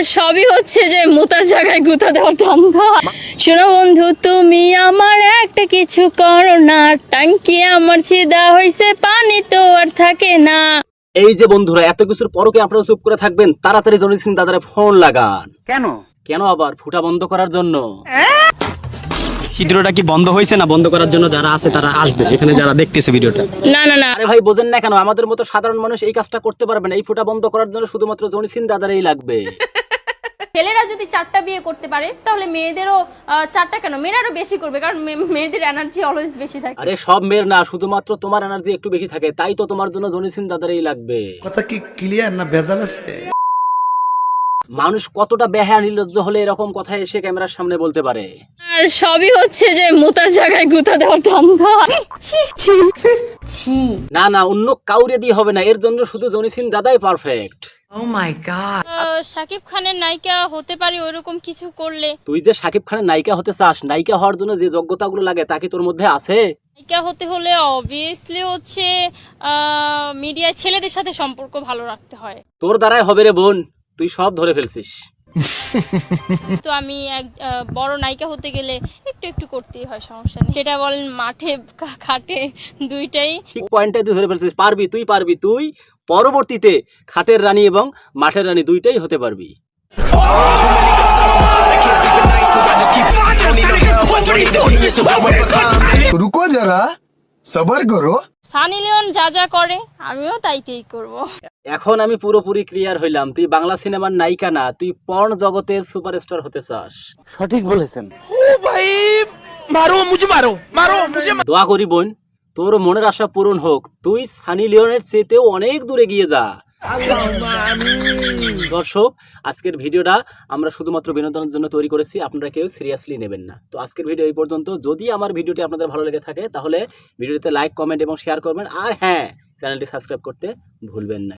সবই হচ্ছে যে মোতার জায়গায় গুঁতা দেওয়ার ধান্দা। শোনো বন্ধু, তুমি আমার একটা কিছু করো না, টাঙ্কি আমার ছিদা হইছে, পানি তো আর থাকে না। এই যে বন্ধুরা, এত কিছুর পরও কি আপনারা চুপ করে থাকবেন? তাড়াতাড়ি জনি সিং দাদারে ফোন লাগান। কেন কেন আবার? ফুটা বন্ধ করার জন্য। ছিদ্রটা কি বন্ধ হয়েছে না বন্ধ করার জন্য? যারা আছে তারা আসবে এখানে, যারা দেখতেছে ভিডিওটা। না না না, আরে ভাই বোঝেন না কেন? আমাদের মতো সাধারণ মানুষ এই কাজটা করতে পারবে না। এই ফুটা বন্ধ করার জন্য শুধুমাত্র জনি সিং দাদারই লাগবে। ছেলেরা যদি 4টা বিয়ে করতে পারে তাহলে মেয়েদেরও 4টা কেন, মেয়েরা আরো বেশি করবে, কারণ মেয়েদের এনার্জি অলওয়েজ বেশি থাকে। আরে সব মেয়ের না, শুধুমাত্র তোমার এনার্জি একটু বেশি থাকে, তাই তো তোমার জন্য জনি সিং দাদারই লাগবে। কথা কি ক্লিয়ার না ভেজাল আছে? মানুষ কতটা বেহায়া নির্লজ্জ হলে এরকম কথা এসে ক্যামেরার সামনে বলতে পারে? আর সবই হচ্ছে যে মোতার জায়গায় গুঁতা দেওয়ার ধান্দা। না না, অন্য কাউরে দিয়ে হবে না, এর জন্য শুধু জনি সিং দাদাই পারফেক্ট। শাকিব খানের নায়িকা হতে পারি ওইরকম কিছু করলে। তুই যে শাকিব খানের নায়িকা হতে চাস, নায়িকা হওয়ার জন্য যে যোগ্যতাগুলো লাগে তা কি তোর মধ্যে আছে? নায়িকা হতে হলে অবভিয়াসলি হচ্ছে মিডিয়ায় ছেলেদের সাথে সম্পর্ক ভালো রাখতে হয়। তোর দ্বারাই হবে রে বোন, তুই সব ধরে ফেলছিস। তো আমি এক বড় নায়িকা হতে গেলে একটু একটু করতেই হয়, সমস্যা নেই। সেটা বলেন মাঠে খাটে দুইটাই। ঠিক পয়েন্টটাই তুই ধরে ফেলছিস। পারবি, তুই পারবি, তুই পরবর্তীতে খাটের রানী এবং মাঠের রানী দুইটাই হতে পারবি। रुको जरा सबर करो। সানি লিওন যা যা করে আমিও তাইতেই করব। এখন আমি পুরোপুরি ক্লিয়ার হইলাম, তুই বাংলা সিনেমার নায়িকা না, তুই পর্ন জগতের সুপারস্টার হতে চাস। সঠিক বলেছেন। দোয়া করি বোন, তোর মনের আশা পূরণ হোক, তুই সানি লিওনের চেয়েতেও অনেক দূরে গিয়ে যা। দর্শক, আজকের ভিডিওটা আমরা শুধুমাত্র বিনোদনের জন্য তৈরি করেছি, আপনারা কেউ সিরিয়াসলি নেবেন না। তো আজকের ভিডিও এই পর্যন্ত। যদি আমার ভিডিওটি আপনাদের ভালো লেগে থাকে তাহলে ভিডিওতে লাইক, কমেন্ট এবং শেয়ার করবেন। আর হ্যাঁ, চ্যানেলটি সাবস্ক্রাইব করতে ভুলবেন না।